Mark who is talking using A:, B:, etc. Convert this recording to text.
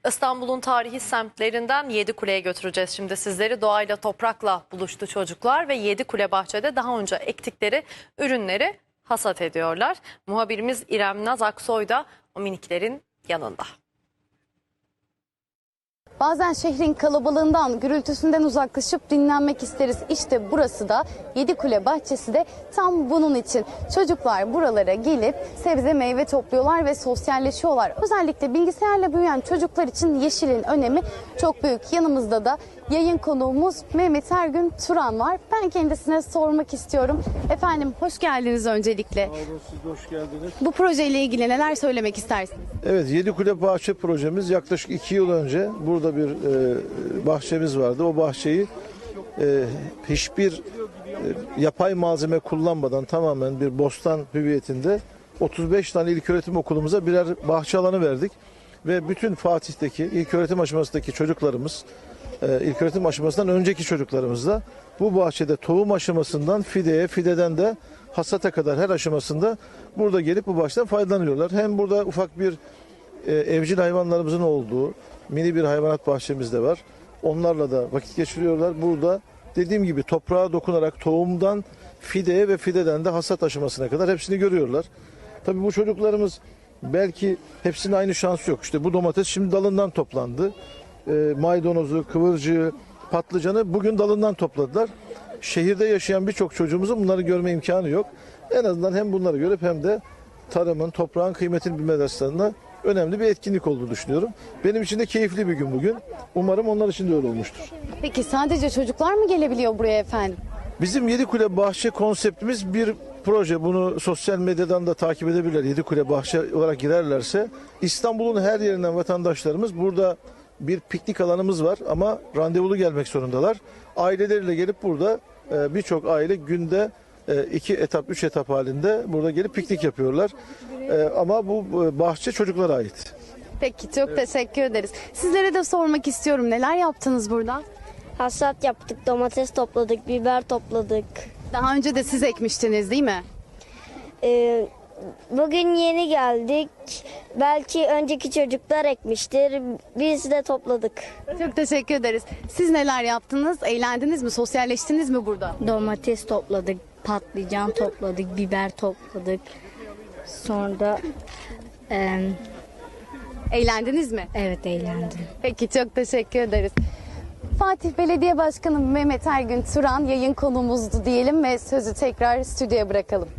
A: İstanbul'un tarihi semtlerinden Yedikule'ye götüreceğiz şimdi sizleri. Doğayla, toprakla buluştu çocuklar ve Yedikule bahçede daha önce ektikleri ürünleri hasat ediyorlar. Muhabirimiz İrem Naz Aksoy da o miniklerin yanında.
B: Bazen şehrin kalabalığından, gürültüsünden uzaklaşıp dinlenmek isteriz. İşte burası da Yedikule bahçesi de tam bunun için. Çocuklar buralara gelip sebze meyve topluyorlar ve sosyalleşiyorlar. Özellikle bilgisayarla büyüyen çocuklar için yeşilin önemi çok büyük. Yanımızda da yayın konuğumuz Mehmet Ergün Turan var. Ben kendisine sormak istiyorum. Efendim hoş geldiniz öncelikle.
C: Sağ olun, siz de hoş geldiniz.
B: Bu projeyle ilgili neler söylemek istersiniz?
C: Evet, Yedikule Bahçe projemiz yaklaşık 2 yıl önce burada bir bahçemiz vardı. O bahçeyi hiçbir yapay malzeme kullanmadan tamamen bir bostan hüviyetinde 35 tane ilköğretim okulumuza birer bahçe alanı verdik. Ve bütün Fatih'teki ilköğretim aşamasındaki çocuklarımız, ilköğretim aşamasından önceki çocuklarımız da bu bahçede tohum aşamasından fideye, fideden de hasata kadar her aşamasında burada gelip bu bahçeden faydalanıyorlar. Hem burada ufak bir evcil hayvanlarımızın olduğu mini bir hayvanat bahçemiz de var. Onlarla da vakit geçiriyorlar. Burada dediğim gibi toprağa dokunarak tohumdan fideye ve fideden de hasat aşamasına kadar hepsini görüyorlar. Tabii bu çocuklarımız belki hepsinin aynı şansı yok. İşte bu domates şimdi dalından toplandı. Maydanozu, kıvırcığı, patlıcanı bugün dalından topladılar. Şehirde yaşayan birçok çocuğumuzun bunları görme imkanı yok. En azından hem bunları görüp hem de tarımın, toprağın kıymetini bilme derslerinde önemli bir etkinlik olduğunu düşünüyorum. Benim için de keyifli bir gün bugün. Umarım onlar için de öyle olmuştur.
B: Peki sadece çocuklar mı gelebiliyor buraya efendim?
C: Bizim Yedikule Bahçe konseptimiz bir proje. Bunu sosyal medyadan da takip edebilirler. Yedikule Bahçe olarak girerlerse İstanbul'un her yerinden vatandaşlarımız burada bir piknik alanımız var ama randevulu gelmek zorundalar. Aileleriyle gelip burada birçok aile günde 2 etap, 3 etap halinde burada gelip piknik yapıyorlar. Ama bu bahçe çocuklara ait.
B: Peki çok teşekkür ederiz. Sizlere de sormak istiyorum. Neler yaptınız burada?
D: Hasat yaptık, domates topladık, biber topladık.
B: Daha önce de siz ekmiştiniz değil mi?
D: Bugün yeni geldik. Belki önceki çocuklar ekmiştir. Biz de topladık.
B: Çok teşekkür ederiz. Siz neler yaptınız? Eğlendiniz mi? Sosyalleştiniz mi burada?
E: Domates topladık, patlıcan topladık, biber topladık. Sonra
B: Eğlendiniz mi?
E: evet eğlendim.
B: Peki çok teşekkür ederiz. Fatih Belediye Başkanı Mehmet Ergün Turan yayın konuğumuzdu diyelim ve sözü tekrar stüdyoya bırakalım.